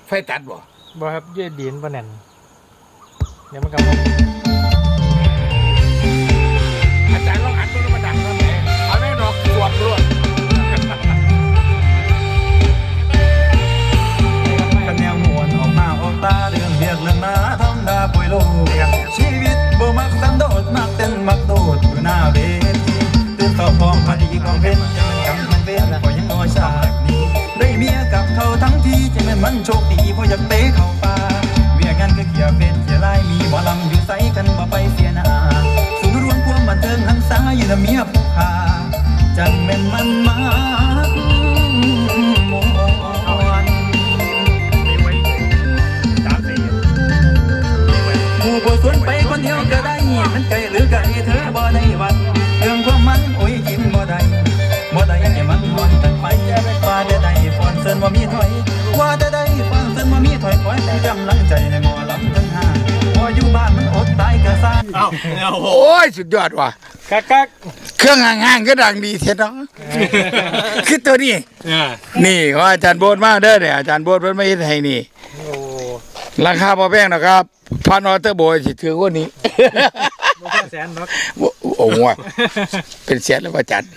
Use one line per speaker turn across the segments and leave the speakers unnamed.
ไฟตัดบ่
ครับยืดดินปะแน่นเดี๋ยวมันก็
อาจารย์ลองหันตัวมาดังนั่นแหละเอาแม่ดอกสวดรวด
กันแนวมวนออกมาออกตาเรื่องเรียกเรื่องนาทำดาป่วยโลชีวิตบ่มักสันโดษมักเต้นมักโดดอยู่หน้าเวทีตื่นต่อพร้อมพอดีของเพชรจะเป็นกำมันเว้นก็ยังน้อยชาตินี้ได้เมียกับเขาทั้งทีจะเป็นมันโชคดีเพราะอยากเตะเข้าป่าเวียงานก็เขียเป็ดเขียลายมีหมอลำอยู่ใสกันบ่ไปเสียหน้าสูงรวมความบันเทิงหันษาอยู่ละเมียผู้ขาจังเป็นมันมากมวนผู้บ่สวนไปคนเดียวก็ได้มันไกลหรือไกลเธอบ่ได้วัดเรื่องความมันโอ้ยยิ้มบ่ได้ให้มันนอนกันไปว่าได้ได้ฟอนเซินว่ามีถอยว่าได้ได้ฟอนเซินว่ามีถอยคอยเป็นกำลังใจให้หมอลำทั้งห้าพออยู่บ้านมันอดตายกะซ่า
โอ้ยสุดยอดว่ะ
กัก
เครื่องห่างๆก็ดังดีเท่เนาะคือตัวนี้นี่ของอาจารย์โบ๊ทมาเด้อเนี่ยอาจารย์โบ๊ทเพิ่นมาเฮ็ดให้นี่ราคาบ่แพงนะครับพันออเตอร์โบสิถือว่านี้
แสนนัก
โอ้โหเป็นแสนแล้วอาจารย์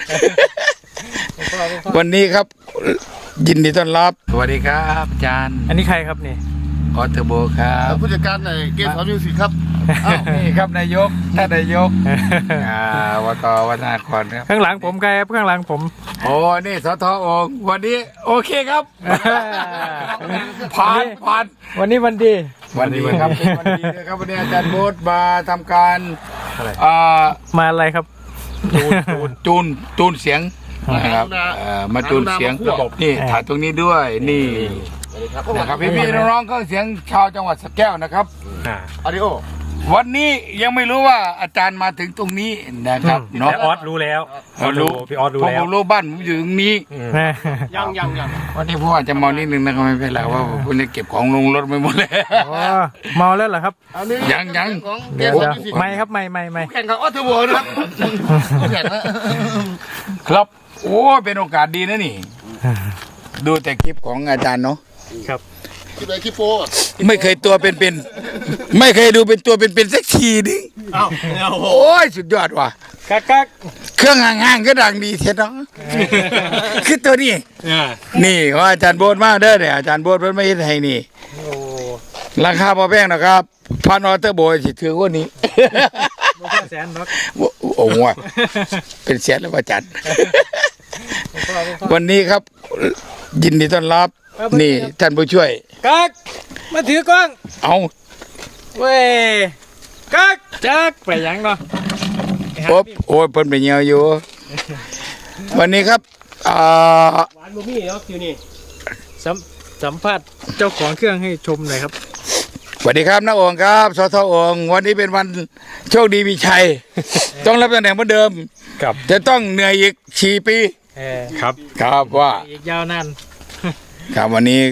วันนี้ครับยินดีต้อนรับสวัสดีครับอาจารย์
อันนี้ใครครับนี่
ออเตอร์โบครับ
ผู้จัดการในเกมของมิวสิกครับ
นี่ครับนายกท่านนายกวตวัฒนาครครับ
ข้างหลังผมใครครับข้างหลังผม
โอ้นี่สทองวันนี้โอเคครับผ่าน
วันนี้วันดี
วันนี้ครับวันดีนะครับวันนี้อาจารย์โบ๊ทมาทำการ
มาอะไรครับ
จูนเสียงนะครับมาจูนเสียงระบบนี่ถ่ายตรงนี้ด้วยนี่นะครับพี่ๆน้องๆก็เสียงชาวจังหวัดสระแก้วนะครับ
อาริโอ
วันนี้ยังไม่รู้ว่าอาจารย์มาถึงตรงนี้นะครับ
น้องออสรู้แล้วพี่ออสรู้แล้ว
ผมรู้บ้านผมอยู่ตรงนี้
ยัง
วันนี้พ่ออาจจะเมานิดนึงนะครับไม่เป็นไรว่าผมจะเก็บของลงรถไปหมดเลย
เมาแล้วเหรอครับ
ยัง
ไม่ครับไม่
แข่งกับออสเทอร์โบนะครับแข่ง
ครับโอ้เป็นโอกาสดีนะนี่ดูแต่คลิปของอาจารย์เนาะ
ครับ
คลิปอะไรคลิปโป้
ไม่เคยตัวเป็นไม่เคยดูเป็นตัวเป็นสักทีนึงโอ้ยสุดยอดว่ะ
กัก
เครื่องห่างๆก็ดังดีเท่เนาะคือตัวนี้นี่ของอาจารย์โบ๊ทมาเด้อเนี่ยอาจารย์โบ๊ทเพิ่นมาเฮ็ดให้นี่ราคาบ่แพงนะครับพันออเตอร์โบสิถือว่านี้
แสนนัก
โอ้โหเป็นแสนแล้วอาจารย์วันนี้ครับยินดีต้อนรับนี่ท่านผู้ช่วย
กักมาถือกล้อง
เอา
เว้ยกักจักไปยังเนาะ
โอ้ยเพิ่นไปเหี่ยวอยู่วันนี้ครับ
หวานบุมี่เนาะคิวนี่สัมภาษณ์เจ้าของเครื่องให้ชมหน่อยครับ
สวัสดีครับน้าโองครับสทโองวันนี้เป็นวันโชคดีมีชัยต้องรับตำแหน่งเหมือนเดิมจะต้องเหนื่อยอีก4 ปีครับว่า
อีกยาวนาน
ครับวันนี้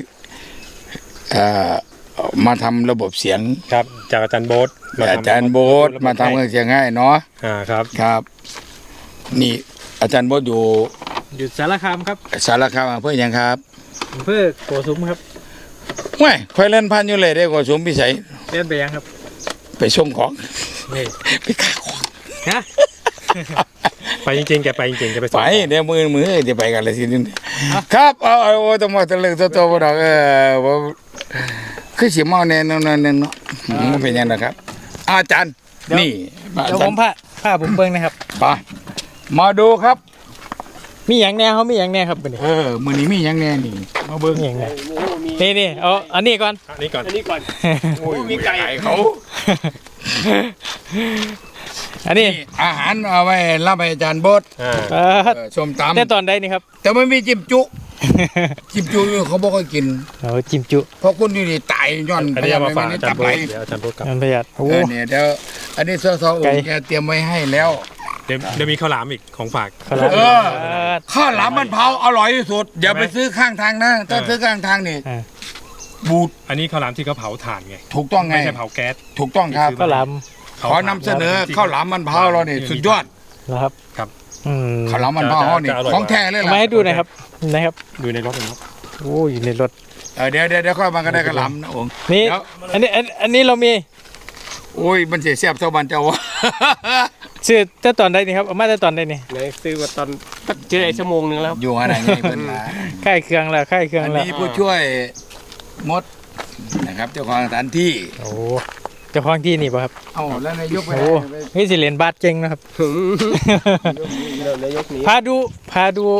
มาทำระบบเสียง
ครับจากอาจารย์โบ๊ท
มาทำเครื่องเสียงให้เนาะครับนี่อาจารย์โบ๊ทอยู่
สารคามครับ
สารคามอำเภอยังครับ
อำเภอโกสุมครับ
ไม่ค่อยเล่นพันอยู่เลยได้โกสุมพิสัย
เล่นไปยังครับ
ไปส่งของไปขายของ
ไปจริงๆแกไปจริงๆแกไป
เดี๋ยวมือจะไปกันเลยทีนึงครับเอาต้องมาตะลึงตัวบ่ดอกคือสิเมาแน่นอนเนาะเป็นยังนะครับอาจารย์นี่
เดี๋ยวผมผ้าผมเบิ่งนะครับ
ไปมาดูครับ
มีอย่างแน่เขามีอย่างแน่ครับ
มื้อนี้มีอย่างแน่นี่มาเบิ่ง
อย่างแน่นี่เอาอันนี้ก่อน
โอ้ยมีไก่เขา
อันนี้
อาหารเอาไว้รับอาจารย์โบ๊ทส้มตำ
แต่ตอนใดนี่ครับ
แต่ไม่มีจิ้มจุเขาบอกให้กิน
จิ้มจุ
เพราะคุณอยู่นี่ตายย้อน
พยายามมาฝากอาจารย์โบ๊ทเดี๋ยวอาจารย์โบ๊ทกับพยายาม
เนี่ยเดี๋ยวอันนี้ซอแกเตรียมไว้ให้แล้ว
เดี๋ยวมีข้าวหลามอีกของฝาก
ข้าวหลามมันเผาอร่อยที่สุดอย่าไปซื้อข้างทางนะถ้าซื้อข้างทางนี่บูด
อันนี้ข้าวหลามที่เขาเผาถ่านไง
ถูกต้องไง
ไม่ใช่เผาแก๊ส
ถูกต้องครับ
ข้าวหลาม
ขอนำเสนอข้าวหลามมันเผาเราเนี่ยสุดยอด
นะครับ
ข้าวหลามมันเผาเนี่ยของแท้เลยล่ะ
มาให้ดูหน่อยครับนะครับอยู่ในรถโอ้อยู่ในรถ
เดี๋ยวค่อยมาก็ได้กระหลำนะอง
นี่
เดี๋ยว
อันนี้เรามี
โอ้ยมันเสียเสียบเท่าบันเจ้าวะ
ซื้อแต่ตอนใดนี่ครับเอามาแต่ตอนใดนี่
ไหนซื้อมาตอนเจอไอ้ชั่วโมงนึงแล้ว
อยู่อะไรไงเพิ่นมา
ค่ายเครื่องแล้วค่ายเครื่อง
อัน
แล้ว
นี้ผู้ช่วยมดนะครับเจ้าของสถานที่
โอ้เจ้าของที่นี่ป่ะครับ
เอาแล้วนายกไป
โอ้นี่สิเรียนบาสเก่งนะครับ
นายกนี้
พาดูพาดู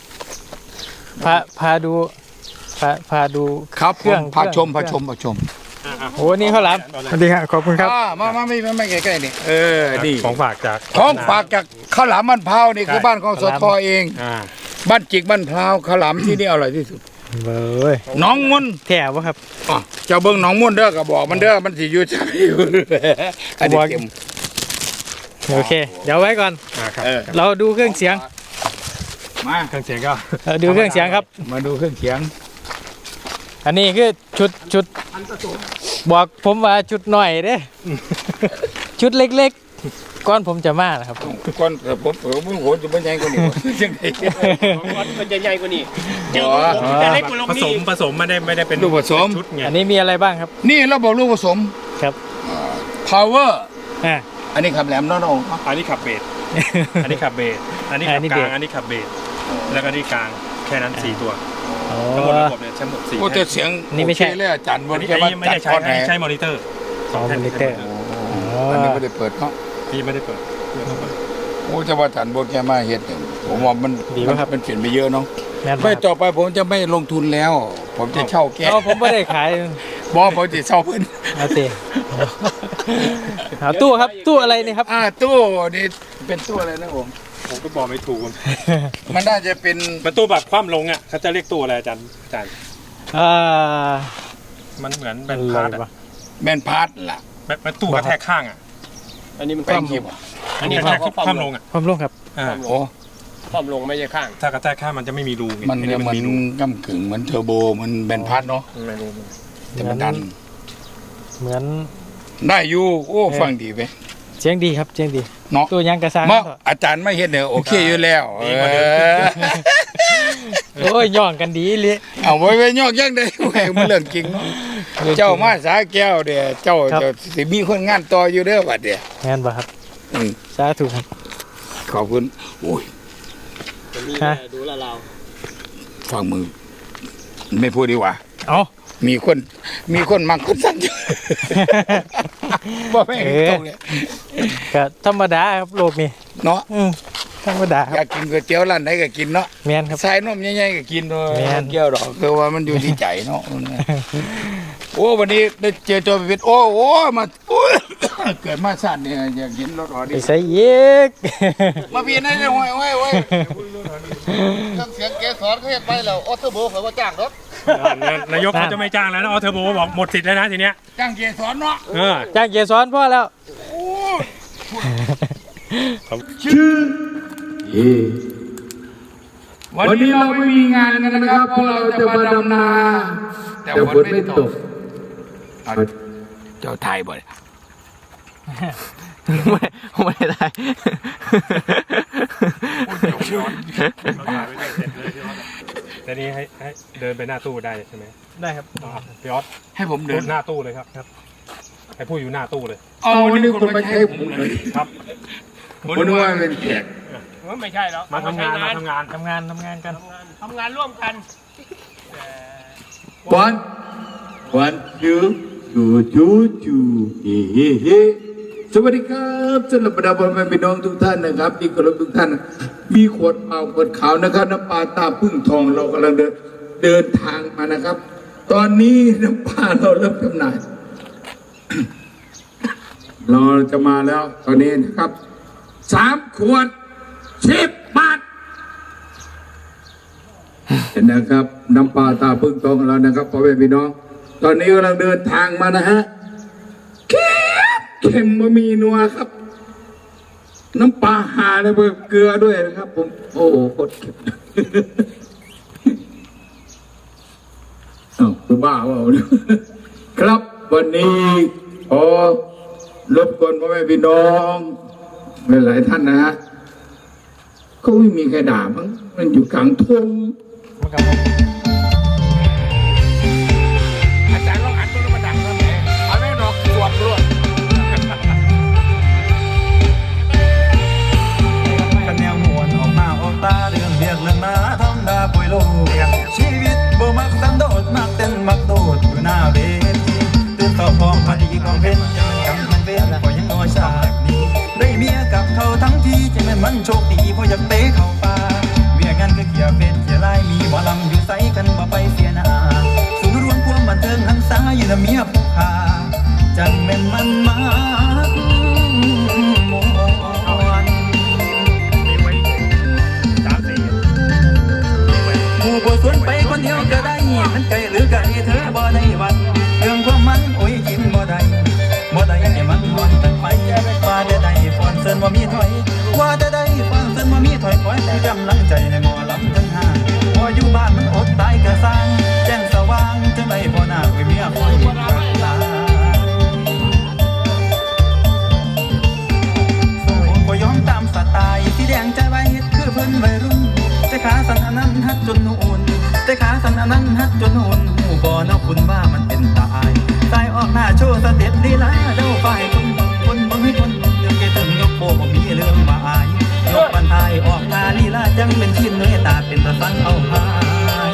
ครับ
เครื่อง
พาชม
เครื่อง โอ้นี่ข้าวหลามสวัสดีครับขอบคุณครับ
มาไม่ใกล้ๆนี่นี่
ของฝากจาก
ของฝากจากข้าวหลามบ้านพร้าวนี่คือบ้านของสทเอง บ้านจิกบ้านพร้าวข้าวหลามที่นี่อร่อยที่สุด
เบ้ย
น้องมุ่น
แถววะครับ
เจ้าเบิ้งน้องมุ่นเด้อก็บอกมันเด้อมันสิอยู่ใช่อยู่อันนี้เข็ม
โอเค เดี๋ยวไว้ก่อน เราดูเครื่องเสียง
มา
เครื่องเสียงก็ดูเครื่องเสียงครับ
มาดูเครื่องเสียง
อันนี้คือชุดบอกผมว่าชุดหน่อยเด้ ชุดเล็กๆก้อนผมจะมานะครับ
ก่อนผมโหจะเป็นยังไงกว่านี้จังได๋
มันจะใหญ่กว่านี้
จะเล็ก
ผสมไม่ได้เป็น
ลูกผสม
ชุดไง
อันนี้มีอะไรบ้างครับ
นี่เราบอกลูกผสม
ครับ
power
อ่า
อันนี้ขับแหลมน้อง
อันนี้ขับเบสอันนี้ขับเบสอันนี้ขั
อั
บ
นนี้
ก
เบ
ลา
ส
งอันนี้ขับเบสแล้วก็นี่กลางแค่นั้น4ตัว
โอ้
ทั้งหมดระบบเนี่ยใช้หมด4
โอ้แต่เสียง
นี่ไม่ใช่
โอเคเลยอาจารย์บ
อั
น
นนี้
แค่ว่า
ไม่
จัด
ได้ใช้
ก้อน
อั
ไห
น
น
นี้ใช้มอนิเตอร์
สองมิลลิเตอร์
อันนี้ไม่ได้เปิดเนาะ
พี่ไม่ได้เปิด
โอ้จะว่าอาจารย์บนแค่มาเฮ็ดเนี่ยผมว่ามัน
ดีป่ะครับ
มันเปลี่ยนไปเยอะเนาะ
แม่น
ไม่
บ่ครับ
ต่อไปผมจะไม่ลงทุนแล้ว ผมจะเช่าแก้
เอาผมไม่ได้ขาย
บอกผมจะเช่าเพิ่น
เอาเตะเอาตู้ครับตู้อะไรนี่ครับ
ตู้นี่เป็นตู้อะไรนะผม
ผมก็บอกไม่ถูก
มันน่าจะเป็น
ประตูแบบคว่ำลงอ่ะเขาจะเรียกตู้อะไรอาจารย์
อ่า
มันเหมือนแบ
อะ
น
ไร
พาร์ทอะ
วะ
แมนพาร์ทล่ะ
แบบตู้กระแทกข้างอ่ะ
อันนี้มัน
แป้งคีบ
อันนี้
กระแทก
เขา
คว่ำลงอ่ะ
ความลงครับ
โอ้
ความลงไม่ใช่ข้าง
ถ้ากระแทกข้างมันจะไม่มีรูไง
มัน
อั
เนี่ยมัน
มีรู
ก้ำกึ่งเหมือนเทอร์โบมันแมนพาร์ทเนาะ
ไม่รู้
แต่มันดัน
เหมือน
ได้อยู่โอ้ฟังดีไป
เสียงดีครับเสียงดี
เนาะ
ตู้ยังกระซัง
เมื่ออาจารย์ไม่เห็นเนี่ยโอเคอยู่แล้ว
โอ้ยย่องกันดีเลย
เอาไว้ยอกยังได้แหวมันเรื่องจริงเนาะเจ้ามาสาแก้วเดี๋ยเจ้าจะสิมีคนงานต่ออยู่เด้อบัดเดี๋ย
งานบ่ครับ
อืม
สาธุครับ
ขอบคุณโอ้ย
ฮะ
ดูละเรา
ฟังมือไม่พูดดีกว่า
เอา
มีคนมักคนสั่งอยู่ บ่แม่งตรงเลย
ก็ธรรมดาครับโลกนี้
เนาะ
ธรรมดาค
อยา
รับ
กกินก๋วยเตี๋ยวร้านไหนก็กินเนาะ
แมนครับ
ใส่นมใหญ่ๆก็กินเนาะ
แม่น
เกี่ยวดอกคือว่ามันอยู่ที่ใจเนาะโอ้วันนี้ได้เจอตัวเป็นโอ้มาโอ้ย เกิดมาสั้นเนี่ยอยากเห็นรถออ
ไป
ดี้
ใส่เย็ก
มาเปลี่ยนได้เลยเว้ย
เครื่องเสียงเกสรเขาเฮ็ดไปแล้วออโต้โบเขาว่าจ้างรถ
นายกเขาจะไม่จ้างแล้วนะออเทอร์โบบอกหมดสิทธิ์แล้วนะทีเนี้ย
จ้างเกสรเนาะ
จ้างเกียร์ซ้อนพ่อแล้ว
วันนี้เราไม่มีงานกันนะครับเพราะเราจะมาดำนาแต่ฝนไม่ตกเอาเจ้าไทยบ่อย
ไม่ได้
แต่นี้ให้เดินไปหน้าตู้ได้ใช่ไหม
ได้ครับ
พี่ออส
ให้ผม
พู
เดิ
ด
น
หน้าตู้เลยครับให้พูดอยู่หน้าตู้เลย
เอาวันนี้คนมาใช้ผมเลย
ครับ
ผมนึกว่าเป็นแขก
ว่าไม่ใช่หรอก
มาทำงานมาทำงาน
ทำงานกัน
ทำงานร่วมกัน
one twoเฮ้สวัสดีครับสำหรับบรรดาพ่อแม่พี่น้องทุกท่านนะครับที่เคารพทุกท่านมีขวดเปล่าขวดขาวนะครับน้ำปลาตาพึ่งทองเรากำลังเดินทางมานะครับ ตอนนี้น้ำปลาเราเริ่มจำหน่าย เราจะมาแล้วตอนนี้นะครับ3 ขวด 10 บาทเห็นนะครับน้ำปลาตาพึ่งทองของเรานะครับพ่อแม่พี่น้องตอนนี้กำลังเดินทางมานะฮะเค็มบะหมี่นัวครับ น้ำปลาหาเลยเบอร์เกลือด้วยนะครับผมโอ้โหโคตรเค็มคือบ้าเปล่าเนี่ยครับวันนี้ขอรบกวนพ่อแม่พี่น้องหลายๆท่านนะฮะก็ไม่มีใครด่ามั้งมันอยู่กลางทุ่ง
มันกับ
นะเมียผู้ขาจังแม่นมันมากมวน
มีไว้3 4
หมู่บ่สวนไปคนเดียวก็ได้มันไกลหรือไกลเธอบ่ได้วัดเรื่องความมันโอ้ยกินบ่ได้ให้มันหวนกันไปว่าจะได้ฟอนเซินว่ามีถอยว่าจะได้ฟอนเซินว่ามีถอยคอยให้กำลังใจให้หมอลำทั้งห้าพออยู่บ้านมันอดตายกะสร้างแจ้งสว่างจังไดบ่น่าไว้เมียคอยกันลาบ่ยอมตามสไตล์ที่แดงใจไว้คือเพิ่นวัยรุ่นแต่ขาสั่นอันนั้นฮักจนอุ่นแต่ขาสั่นอันนั้นฮักจนอุ่นหูบ่เนาะคุณว่ามันเป็นตายตายออกหน้าโชว์สเต็ปลีลาเด้าฝ่ายคนเบิ่งให้คนเดี๋ยวแกถึงยกโบบ่มีเรื่องมาอายยกบันทายออกหน้าลีลาจังเป็นชิ้นเนื้อตาเป็นตะสังเอาหาย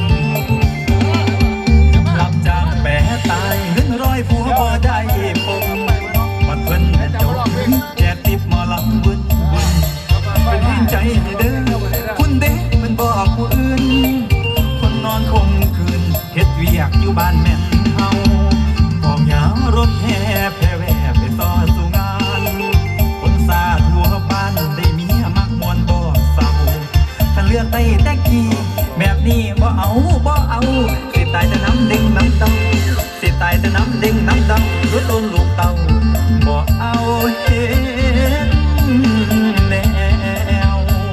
รับจ้างแปะตายเงินร้อยผัวบ่ได้ผมมันเพิ่นเจ้าแจกติบหมอลำบุญเป็นให้ใจให้เด้อคุณเด้มันบอกผู้อื่นคนนอนคงคืนเฮ็ดเวียกอยู่บ้านแม่นเฮาพองยารถแห่แผ่แว่ไปต่อสู่งานคนซาทั่วบ้านได้เมียมักมวนบ่เศร้าถ้าเลือกได้แต่กี้แบบนี้บ่เอาสิตายแต่น้ำดิ่งน้ำเต้าสิตายแต่น้ำดิ่งน้ำเต้ารถลงลูกเต้าบ่เอาเฮ็ดแนว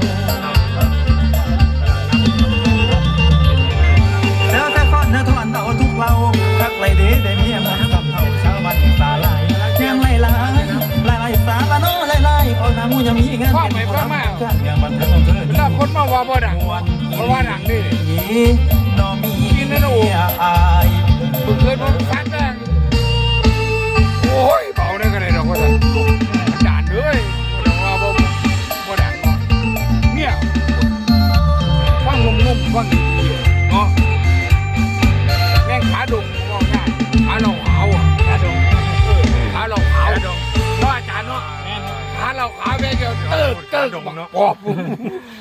แล้วแต่ฟ้อนนะทอนเอาทุกเราทักไรเด้ได้เมียมันกับเท่าชาวบ้านตาลายยังไล่ลายสาบานโนไล่ออกหน้ามูยังมีงานเป็นความการเมืองบันเทิงเธอ
แล้วคนมาว่าบ่ดังเพราะว่าดังนี่
นอมีอาย
มึงเคยบ่ฟังดังโอ้ยเบาได้กันเลยดอกว่าซั่นด่านเลยบ่ว่าบ่ดังเนาะเนี่ยฟังงมฟังดีเนาะแม่งขาดงว่าง่ายขาเราขาวอ่ะขาดงขาเราขาวเนาะอาจารย์เนาะขาเราขาวแม่งจะเติบบักปอบ